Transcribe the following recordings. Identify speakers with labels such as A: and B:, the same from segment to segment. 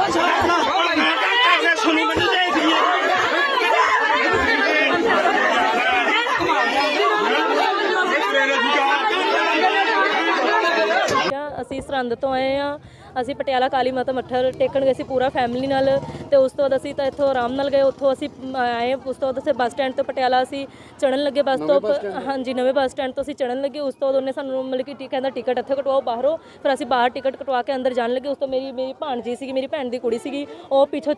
A: ਅਸੀਂ ਸਰਹੰਦ ਤੋਂ ਆਏ ਹਾਂ। ਅਸੀਂ ਪਟਿਆਲਾ ਕਾਲੀ ਮਾਤਾ ਮੱਥਾ ਟੇਕਣ ਗਏ ਸੀ ਪੂਰਾ ਫੈਮਿਲੀ ਨਾਲ, ਤੇ ਉਸ ਤੋਂ ਬਾਅਦ ਅਸੀਂ ਤਾਂ ਇੱਥੋਂ ਆਰਾਮ ਨਾਲ ਗਏ। ਉੱਥੋਂ ਅਸੀਂ ਆਏ, ਉਸ ਤੋਂ ਬਾਅਦ ਅਸੀਂ ਬੱਸ ਸਟੈਂਡ ਤੋਂ ਪਟਿਆਲਾ ਅਸੀਂ ਚੜ੍ਹਨ ਲੱਗੇ ਬੱਸ ਤੋਂ। ਹਾਂਜੀ, ਨਵੇਂ ਬੱਸ ਸਟੈਂਡ ਤੋਂ ਅਸੀਂ ਚੜ੍ਹਨ ਲੱਗੇ। ਉਸ ਤੋਂ ਬਾਅਦ ਉਹਨੇ ਸਾਨੂੰ ਮਤਲਬ ਕਿ ਕਹਿੰਦਾ ਟਿਕਟ ਇੱਥੇ ਕਟਵਾਓ ਬਾਹਰੋਂ। ਫਿਰ ਅਸੀਂ ਬਾਹਰ ਟਿਕਟ ਕਟਵਾ ਕੇ ਅੰਦਰ ਜਾਣ ਲੱਗੇ। ਉਸ ਤੋਂ ਮੇਰੀ ਭਾਣਜੀ ਸੀਗੀ, ਮੇਰੀ ਭੈਣ ਦੀ ਕੁੜੀ ਸੀਗੀ, ਉਹ ਪਿੱਛੋਂ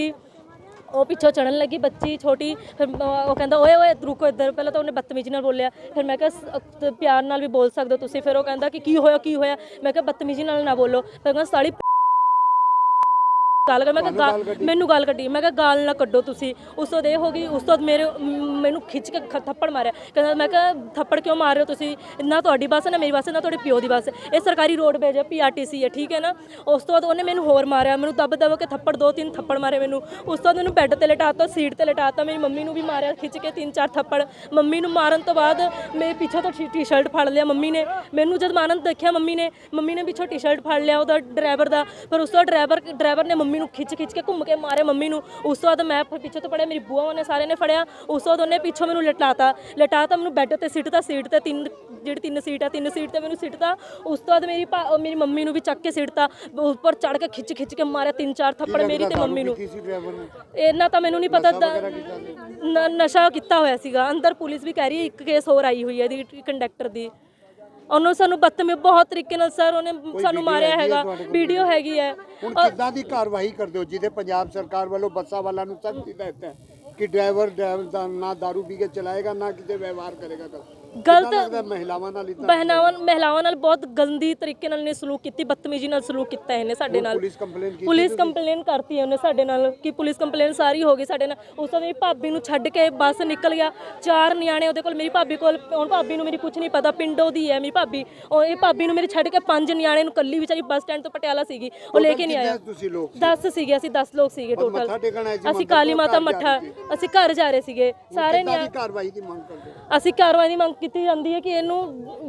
A: ਚੜ੍ਹਨ ਲੱਗੀ ਬੱਚੀ ਛੋਟੀ। ਫਿਰ ਉਹ ਕਹਿੰਦਾ ਓਏ ਓਏ ਰੁਕੋ ਇੱਧਰ। ਪਹਿਲਾਂ ਤਾਂ ਉਹਨੇ ਬਦਤਮੀਜ਼ੀ ਨਾਲ ਬੋਲਿਆ, ਫਿਰ ਮੈਂ ਕਿਹਾ ਪਿਆਰ ਨਾਲ ਵੀ ਬੋਲ ਸਕਦੇ ਹੋ ਤੁਸੀਂ। ਫਿਰ ਉਹ ਕਹਿੰਦਾ ਕਿ ਕੀ ਹੋਇਆ। ਮੈਂ ਕਿਹਾ ਬਦਤਮੀਜ਼ੀ ਨਾਲ ਨਾ ਬੋਲੋ। ਫਿਰ ਕਹਿੰਦਾ ਸਾਲੀ ਗੱਲ ਕਰ। ਮੈਂ ਕਿਹਾ ਮੈਨੂੰ ਗੱਲ ਕੱਢੀ, ਮੈਂ ਕਿਹਾ ਗਾਲ ਨਾ ਕੱਢੋ ਤੁਸੀਂ। ਉਸ ਤੋਂ ਬਾਅਦ ਇਹ ਹੋ ਗਈ। ਉਸ ਤੋਂ ਬਾਅਦ ਮੈਨੂੰ ਖਿੱਚ ਕੇ ਥੱਪੜ ਮਾਰਿਆ। ਕਹਿੰਦਾ, ਮੈਂ ਕਿਹਾ ਥੱਪੜ ਕਿਉਂ ਮਾਰ ਰਹੇ ਹੋ ਤੁਸੀਂ? ਨਾ ਤੁਹਾਡੀ ਬੱਸ ਨਾ ਮੇਰੀ ਬੱਸ ਨਾ ਤੁਹਾਡੇ ਪਿਓ ਦੀ ਬੱਸ। ਇਹ ਸਰਕਾਰੀ ਰੋਡਵੇਜ ਹੈ, PRTC ਹੈ, ਠੀਕ ਹੈ ਨਾ। ਉਸ ਤੋਂ ਬਾਅਦ ਉਹਨੇ ਮੈਨੂੰ ਹੋਰ ਮਾਰਿਆ, ਮੈਨੂੰ ਦਬ ਕੇ ਥੱਪੜ 2-3 ਥੱਪੜ ਮਾਰੇ ਮੈਨੂੰ। ਉਸ ਤੋਂ ਬਾਅਦ ਮੈਨੂੰ ਬੈੱਡ ਤੇ ਲਿਟਾਤਾ, ਸੀਟ ਤੇ ਲਿਟਾਤਾ। ਮੇਰੀ ਮੰਮੀ ਨੂੰ ਵੀ ਮਾਰਿਆ ਖਿੱਚ ਕੇ 3-4 ਥੱਪੜ। ਮੰਮੀ ਨੂੰ ਮਾਰਨ ਤੋਂ ਬਾਅਦ ਮੇਰੇ ਪਿੱਛੋਂ ਤੋਂ ਟੀ-ਸ਼ਰਟ ਫੜ ਲਿਆ ਮੰਮੀ ਨੇ। ਮੈਨੂੰ ਜਦ ਮਾਰਨ ਦੇਖਿਆ ਮੰਮੀ ਨੇ ਪਿੱਛੋਂ ਟੀ-ਸ਼ਰਟ ਫੜ ਲਿਆ ਉਹਦਾ ਡਰਾਈਵਰ ਦਾ। ਫਿਰ ਉਸ ਤੋਂ ਬਾਅਦ ਡਰਾਈਵਰ ਨੇ ਮੰਮੀ ਨੂੰ ਖਿੱਚ ਕੇ ਘੁੰਮ ਕੇ ਮਾਰਿਆ ਮੰਮੀ ਨੂੰ। ਉਸ ਤੋਂ ਬਾਅਦ ਮੈਂ ਪਿੱਛੇ ਤੋਂ ਫੜਿਆ, ਮੇਰੀ ਬੂਆ ਨੇ ਸਾਰਿਆਂ ਨੇ ਫੜਿਆ। ਉਸ ਤੋਂ ਬਾਅਦ ਉਹਨੇ ਪਿੱਛੋਂ ਮੈਨੂੰ ਲਿਟਾਤਾ ਮੈਨੂੰ ਬੈੱਡ ਤੇ ਸਿੱਟਤਾ, ਸੀਟ ਤੇ ਜਿਹੜੀ 3 ਸੀਟ ਤੇ ਮੈਨੂੰ ਸਿੱਟਤਾ। ਉਸ ਤੋਂ ਬਾਅਦ ਮੇਰੀ ਮੰਮੀ ਨੂੰ ਵੀ ਚੱਕ ਕੇ ਸਿੱਟਤਾ, ਉੱਪਰ ਚੜ ਕੇ ਖਿੱਚ ਕੇ ਮਾਰਿਆ 3-4 ਥੱਪੜ ਮੇਰੀ ਤੇ ਮੰਮੀ ਨੂੰ। ਇਹਨਾਂ ਤਾਂ ਮੈਨੂੰ ਨਹੀਂ ਪਤਾ, ਨਸ਼ਾ ਕੀਤਾ ਹੋਇਆ ਸੀਗਾ। ਅੰਦਰ ਪੁਲਿਸ ਵੀ ਕਹਿ ਰਹੀ ਹੈ 1 ਕੇਸ ਹੋਰ ਆਈ ਹੋਈ ਹੈ ਇਹਦੀ ਕੰਡਕਟਰ ਦੀ। ਉਹਨੂੰ ਸਾਨੂੰ ਬਦਤਮੀਜ਼ ਬਹੁਤ ਤਰੀਕੇ ਨਾਲ ਸਰ ਉਹਨੇ ਸਾਨੂੰ ਮਾਰਿਆ ਹੈਗਾ, ਵੀਡੀਓ ਹੈਗੀ ਹੈ।
B: ਹੁਣ ਕਿੱਦਾਂ ਦੀ ਕਾਰਵਾਈ ਕਰਦੇ ਹੋ ਜਿਹਦੇ ਪੰਜਾਬ ਸਰਕਾਰ ਵੱਲੋਂ ਬੱਸਾਂ ਵਾਲਾਂ ਨੂੰ ਸਖਤ ਹਦਾਇਤ ਹੈ ਕਿ ਡਰਾਈਵਰ ਨਾ ਦਾਰੂ ਪੀ ਕੇ ਚਲਾਏਗਾ, ਨਾ ਕਿਤੇ ਵਿਵਹਾਰ ਕਰੇਗਾ?
A: ਗਲਤ
B: ਮਹਿਲਾਵਾਂ
A: ਨਾਲ ਬਹੁਤ ਗੰਦੀ ਤਰੀਕੇ ਨਾਲ ਨੇ ਸਲੂਕ ਕੀਤੀ, ਬਦਤਮੀਜ਼ੀ ਨਾਲ ਸਲੂਕ ਕੀਤਾ ਇਹਨੇ ਸਾਡੇ ਨਾਲ। ਪੁਲਿਸ ਕੰਪਲੇਨ ਕਰਤੀ ਉਹਨੇ ਸਾਡੇ ਨਾਲ ਕਿ ਪੁਲਿਸ ਕੰਪਲੇਨ ਸਾਰੀ ਹੋ ਗਈ ਸਾਡੇ ਨਾਲ। ਉਸ ਤੋਂ ਮੇਰੀ ਭਾਬੀ ਨੂੰ ਛੱਡ ਕੇ ਬੱਸ ਨਿਕਲ ਗਿਆ, 4 ਨਿਆਣੇ ਉਹਦੇ ਕੋਲ, ਮੇਰੀ ਭਾਬੀ ਕੋਲ। ਹੁਣ ਭਾਬੀ ਨੂੰ ਮੇਰੀ ਕੁਝ ਨਹੀਂ ਪਤਾ, ਪਿੰਡੋਂ ਦੀ ਹੈ ਮੇਰੀ ਭਾਬੀ। ਇਹ ਭਾਬੀ ਨੂੰ ਮੇਰੇ ਛੱਡ ਕੇ 5 ਨਿਆਣੇ ਨੂੰ ਕੱਲੀ ਵਿਚਾਰੀ ਬੱਸ ਸਟੈਂਡ ਤੋਂ ਪਟਿਆਲਾ ਸੀਗੀ, ਉਹ ਲੈ ਕੇ ਨਹੀਂ ਆਇਆ। 10 ਸੀਗੇ ਅਸੀਂ, 10 ਲੋਕ ਸੀਗੇ ਟੋਟਲ। ਅਸੀਂ ਕਾਲੀ ਮਾਤਾ ਮੱਠਾ ਅਸੀਂ ਘਰ ਜਾ ਰਹੇ ਸੀਗੇ ਸਾਰੇ ਨਿਆਣੇ।
B: ਕਾਰਵਾਈ ਦੀ ਮੰਗ ਕਰਦੇ
A: ਅਸੀਂ ਕਾਰਵਾਈ ਦੀ ਮੰਗ ਕੀਤੀ ਜਾਂਦੀ ਹੈ ਕਿ ਇਹਨੂੰ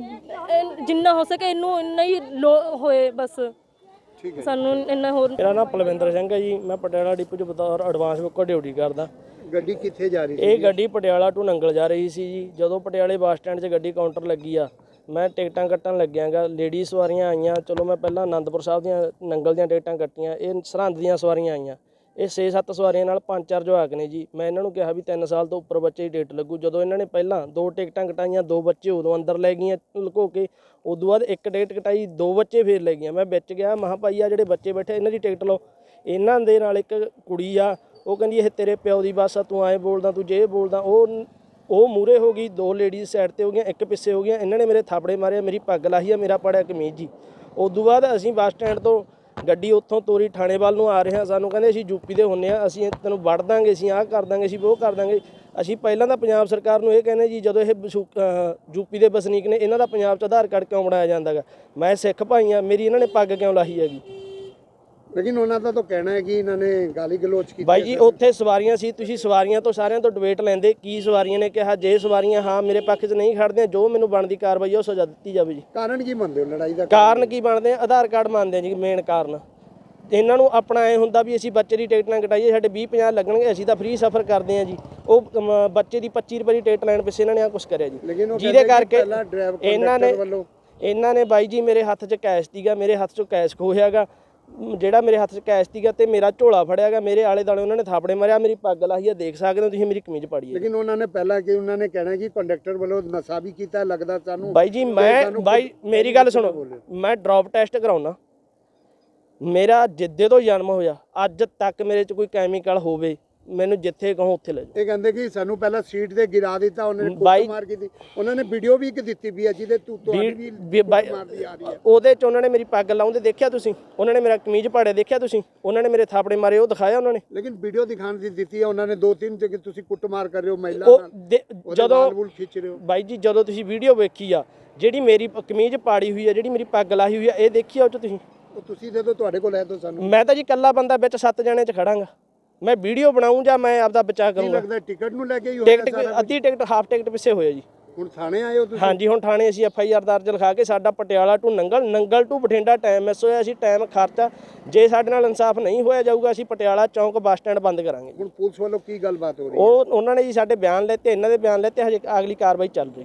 A: ਜਿੰਨਾ ਹੋ ਸਕੇ ਇਹਨੂੰ ਇੰਨਾ ਹੀ ਹੋਏ ਬਸ। ਸਾਨੂੰ ਇੰਨਾ ਹੋਰ।
C: ਮੇਰਾ ਨਾਮ ਪਲਵਿੰਦਰ ਸਿੰਘ ਹੈ ਜੀ, ਮੈਂ ਪਟਿਆਲਾ ਡਿਪੂ 'ਚ ਬਤੌਰ ਐਡਵਾਂਸ ਬੁੱਕਰ ਡਿਊਟੀ ਕਰਦਾ।
B: ਗੱਡੀ ਕਿੱਥੇ ਜਾ ਰਹੀ ਸੀ?
C: ਇਹ ਗੱਡੀ ਪਟਿਆਲਾ ਟੂ ਨੰਗਲ ਜਾ ਰਹੀ ਸੀ ਜੀ। ਜਦੋਂ ਪਟਿਆਲੇ ਬੱਸ ਸਟੈਂਡ 'ਚ ਗੱਡੀ ਕਾਊਂਟਰ ਲੱਗੀ ਆ, ਮੈਂ ਟਿਕਟਾਂ ਕੱਟਣ ਲੱਗਿਆਗਾ। ਲੇਡੀ ਸਵਾਰੀਆਂ ਆਈਆਂ, ਚਲੋ ਮੈਂ ਪਹਿਲਾਂ ਆਨੰਦਪੁਰ ਸਾਹਿਬ ਦੀਆਂ ਨੰਗਲ ਦੀਆਂ ਟਿਕਟਾਂ ਕੱਟੀਆਂ। ਇਹ ਸਰਹੰਦ ਦੀਆਂ ਸਵਾਰੀਆਂ ਆਈਆਂ। ਇਹ 6-7 ਸਵਾਰੀਆਂ ਨਾਲ 5-4 ਜਵਾਕ ਨੇ ਜੀ। ਮੈਂ ਇਹਨਾਂ ਨੂੰ ਕਿਹਾ ਵੀ 3 ਸਾਲ ਤੋਂ ਉੱਪਰ ਬੱਚੇ ਦੀ ਟਿਕਟ ਲੱਗੂ। ਜਦੋਂ ਇਹਨਾਂ ਨੇ ਪਹਿਲਾਂ 2 ਟਿਕਟਾਂ ਕਟਾਈਆਂ, 2 ਬੱਚੇ ਉਦੋਂ ਅੰਦਰ ਲੈ ਗਈਆਂ ਲੁਕੋ ਕੇ। ਉਦੋਂ ਬਾਅਦ 1 ਟਿਕਟ ਕਟਾਈ, 2 ਬੱਚੇ ਫੇਰ ਲੈ ਗਈਆਂ। ਮੈਂ ਵਿੱਚ ਗਿਆ, ਮਹਾਂ ਭਾਈ ਆ ਜਿਹੜੇ ਬੱਚੇ ਬੈਠੇ ਇਹਨਾਂ ਦੀ ਟਿਕਟ ਲਓ। ਇਹਨਾਂ ਦੇ ਨਾਲ ਇੱਕ ਕੁੜੀ ਆ, ਉਹ ਕਹਿੰਦੀ ਇਹ ਤੇਰੇ ਪਿਓ ਦੀ ਬੱਸ ਆ, ਤੂੰ ਐਂ ਬੋਲਦਾ, ਤੂੰ ਜੇ ਬੋਲਦਾ। ਉਹ ਮੂਹਰੇ ਹੋ ਗਈ, 2 ਲੇਡੀਜ਼ ਸਾਈਡ ਤੇ ਹੋ ਗਈਆਂ, 1 ਪਿੱਛੇ ਹੋ ਗਈਆਂ। ਇਹਨਾਂ ਨੇ ਮੇਰੇ ਥਾਪੜੇ ਮਾਰਿਆ, ਮੇਰੀ ਪੱਗ ਲਾਹੀ ਆ, ਮੇਰਾ ਪੜਿਆ ਕਮੀਜ਼ ਜੀ। ਉਦੋਂ ਬਾਅਦ ਅਸੀਂ ਬੱਸ ਸਟੈਂਡ ਤੋਂ ਗੱਡੀ ਉੱਥੋਂ ਤੋਰੀ ਥਾਣੇ ਵੱਲ ਨੂੰ ਆ ਰਹੇ ਹਾਂ। ਸਾਨੂੰ ਕਹਿੰਦੇ ਅਸੀਂ ਯੂਪੀ ਦੇ ਹੁੰਦੇ ਹਾਂ, ਅਸੀਂ ਤੈਨੂੰ ਵੜ ਦਾਂਗੇ, ਅਸੀਂ ਆਹ ਕਰ ਦਾਂਗੇ, ਅਸੀਂ ਉਹ ਕਰ ਦਾਂਗੇ। ਅਸੀਂ ਪਹਿਲਾਂ ਤਾਂ ਪੰਜਾਬ ਸਰਕਾਰ ਨੂੰ ਇਹ ਕਹਿੰਦੇ ਜੀ, ਜਦੋਂ ਇਹ ਯੂਪੀ ਦੇ ਵਸਨੀਕ ਨੇ, ਇਹਨਾਂ ਦਾ ਪੰਜਾਬ 'ਚ ਆਧਾਰ ਕਾਰਡ ਕਿਉਂ ਬਣਾਇਆ ਜਾਂਦਾ ਗਾ? ਮੈਂ ਸਿੱਖ ਭਾਈ ਹਾਂ, ਮੇਰੀ ਇਹਨਾਂ ਨੇ ਪੱਗ ਕਿਉਂ ਲਾਹੀ ਹੈਗੀ?
B: ਲੇਕਿਨ ਉਹਨਾਂ ਦਾ ਤਾਂ ਕਹਿਣਾ ਹੈ ਕਿ ਇਹਨਾਂ ਨੇ ਗਾਲੀ ਗਲੋਚ ਕੀਤੀ।
C: ਬਾਈ ਜੀ ਉੱਥੇ ਸਵਾਰੀਆਂ ਸੀ, ਤੁਸੀਂ ਸਵਾਰੀਆਂ ਤੋਂ ਸਾਰਿਆਂ ਤੋਂ ਡਿਬੇਟ ਲੈਂਦੇ। ਕੀ ਸਵਾਰੀਆਂ ਨੇ ਕਿਹਾ? ਜੇ ਸਵਾਰੀਆਂ ਹਾਂ ਮੇਰੇ ਪੱਖ 'ਚ ਨਹੀਂ ਖੜਦੀਆਂ, ਜੋ ਮੈਨੂੰ ਬਣਦੀ ਕਾਰਵਾਈ ਉਹ ਸਜ਼ਾ ਦਿੱਤੀ ਜਾਵੇ ਜੀ।
B: ਕਾਰਨ ਕੀ ਮੰਨਦੇ ਹੋ ਲੜਾਈ ਦਾ?
C: ਕਾਰਨ ਕੀ ਬਣਦੇ ਆ? ਆਧਾਰ ਕਾਰਡ ਮੰਨਦੇ ਆ ਜੀ ਮੇਨ ਕਾਰਨ। ਇਹਨਾਂ ਨੂੰ ਆਪਣਾ ਐ ਹੁੰਦਾ ਵੀ ਅਸੀਂ ਬੱਚੇ ਦੀ ਟਿਕਟ ਨਾ ਕਟਾਈਏ, ਸਾਡੇ 20-50 ਲੱਗਣਗੇ, ਅਸੀਂ ਤਾਂ ਫ੍ਰੀ ਸਫ਼ਰ ਕਰਦੇ ਹਾਂ ਜੀ। ਉਹ ਬੱਚੇ ਦੀ 25 ਰੁਪਏ ਦੀ ਟਿਕਟ ਲੈਣ ਪਿੱਛੇ ਇਹਨਾਂ ਨੇ ਆ ਕੁਛ ਕਰਿਆ ਜੀ, ਜਿਹਦੇ ਕਰਕੇ ਇਹਨਾਂ ਨੇ ਬਾਈ ਜੀ ਮੇਰੇ ਹੱਥ 'ਚ ਕੈਸ਼ ਸੀਗਾ, ਮੇਰੇ ਹੱਥ 'ਚੋਂ ਕੈਸ਼ ਖੋਹਿਆਗਾ। ਜਿਹੜਾ ਮੇਰੇ ਹੱਥ 'ਚ ਕੈਸ਼ ਸੀਗਾ ਤੇ ਮੇਰਾ ਝੋਲਾ ਫੜਿਆ ਗਿਆ, ਮੇਰੇ ਆਲੇ ਦੁਆਲੇ ਉਹਨਾਂ ਨੇ ਥਾਪੜੇ ਮਾਰਿਆ, ਮੇਰੀ ਪੱਗ ਲਾਹੀ ਆ, ਦੇਖ ਸਕਦੇ ਹੋ ਤੁਸੀਂ, ਮੇਰੀ ਕਮੀਜ਼ ਪਾੜੀ ਹੈ।
B: ਲੇਕਿਨ ਉਹਨਾਂ ਨੇ ਪਹਿਲਾਂ ਕਿ ਉਹਨਾਂ ਨੇ ਕਹਿਣਾ ਕਿ ਕੰਡਕਟਰ ਵੱਲੋਂ ਨਸ਼ਾ ਵੀ ਕੀਤਾ ਲੱਗਦਾ ਸਾਨੂੰ।
C: ਬਾਈ ਜੀ ਬਾਈ ਮੇਰੀ ਗੱਲ ਸੁਣੋ, ਮੈਂ ਡ੍ਰੌਪ ਟੈਸਟ ਕਰਾਉਣਾ। ਮੇਰਾ ਜਿੱਦੇ ਤੋਂ ਜਨਮ ਹੋਇਆ ਅੱਜ ਤੱਕ ਮੇਰੇ 'ਚ ਕੋਈ ਕੈਮੀਕਲ ਹੋਵੇ, ਮੈਨੂੰ ਜਿੱਥੇ ਕਹੋ ਉੱਥੇ ਲੈ ਜਾਓ।
B: ਇਹ ਕਹਿੰਦੇ ਕਿ ਸਾਨੂੰ ਪਹਿਲਾਂ ਸੀਟ ਤੇ ਗਿਰਾ ਦਿੱਤਾ, ਉਹਨਾਂ ਨੇ ਕੁੱਟ ਮਾਰ ਕੀਤੀ। ਉਹਨਾਂ ਨੇ ਵੀਡੀਓ ਵੀ ਇੱਕ ਦਿੱਤੀ ਵੀ ਹੈ ਜਿਹਦੇ ਤੁਹਾਡੀ ਵੀ ਮਾਰਦੀ ਆ ਰਹੀ ਹੈ। ਉਹਦੇ
C: 'ਚ ਉਹਨਾਂ ਨੇ ਮੇਰੀ ਪੱਗ ਲਾਉਂਦੇ ਦੇਖਿਆ ਤੁਸੀਂ, ਉਹਨਾਂ ਨੇ ਮੇਰਾ ਕਮੀਜ਼ ਪਾੜਿਆ ਦੇਖਿਆ ਤੁਸੀਂ, ਉਹਨਾਂ ਨੇ ਮੇਰੇ ਥਾਪੜੇ ਮਾਰੇ ਉਹ ਦਿਖਾਇਆ ਉਹਨਾਂ ਨੇ।
B: ਲੇਕਿਨ ਵੀਡੀਓ ਦਿਖਾਉਣ ਦੀ ਦਿੱਤੀ ਹੈ ਉਹਨਾਂ ਨੇ 2-3 ਤੇ ਕਿ ਤੁਸੀਂ ਕੁੱਟਮਾਰ ਕਰ ਰਹੇ ਹੋ ਮਹਿਲਾ ਨਾਲ, ਜਦੋਂ ਖਿੱਚ ਰਹੇ ਹੋ।
C: ਬਾਈ ਜੀ ਜਦੋਂ ਤੁਸੀਂ ਵੀਡੀਓ ਵੇਖੀ ਆ, ਜਿਹੜੀ ਮੇਰੀ ਕਮੀਜ਼ ਪਾੜੀ ਹੋਈ ਆ, ਜਿਹੜੀ ਮੇਰੀ ਪੱਗ ਲਾਹੀ ਹੋਈ ਆ, ਇਹ ਦੇਖੀ ਆ ਉਹ 'ਚ
B: ਤੁਸੀਂ ਦੇ ਦਿਓ, ਤੁਹਾਡੇ ਕੋਲ ਹੈ ਤਾਂ ਸਾਨੂੰ।
C: ਮੈਂ ਤਾਂ ਜੀ ਇਕੱਲਾ ਬੰਦਾ ਵਿੱਚ 7 ਜਣੇ 'ਚ ਖੜਾਂਗਾ। ਮੈਂ ਵੀਡੀਓ ਬਣਾਊਂ ਜਾਂ ਮੈਂ ਆਪਦਾ ਬਚਾਅ ਕਰੂੰਗਾ?
B: ਲੱਗਦਾ ਟਿਕਟ ਨੂੰ ਲੈ ਕੇ ਹੀ
C: ਟਿਕਟ ਅੱਧੀ ਟਿਕਟ ਹਾਫ ਟਿਕਟ ਪਿੱਛੇ ਹੋਇਆ ਜੀ।
B: ਹੁਣ ਥਾਣੇ ਆਏ ਹੋ ਤੁਸੀਂ?
C: ਹਾਂਜੀ, ਹੁਣ ਥਾਣੇ ਅਸੀਂ FIR ਦਰਜ ਲਿਖਾ ਕੇ ਸਾਡਾ Patiala to Nangal to Bathinda time miss ਹੋਇਆ, ਅਸੀਂ ਟਾਈਮ ਖਰਚਾ, ਜੇ ਸਾਡੇ ਨਾਲ ਇਨਸਾਫ ਨਹੀਂ ਹੋਇਆ ਜਾਊਗਾ ਅਸੀਂ ਪਟਿਆਲਾ ਚੌਂਕ ਬੱਸ ਸਟੈਂਡ ਬੰਦ ਕਰਾਂਗੇ।
B: ਹੁਣ ਪੁਲਿਸ ਵੱਲੋਂ ਕੀ ਗੱਲਬਾਤ ਹੋ ਰਹੀ ਹੈ?
C: ਉਹਨਾਂ ਨੇ ਜੀ ਸਾਡੇ ਬਿਆਨ ਲੈਤੇ, ਇਹਨਾਂ ਦੇ ਬਿਆਨ ਲੈਤੇ, ਹਜੇ ਅਗਲੀ ਕਾਰਵਾਈ ਚੱਲ ਰਹੀ।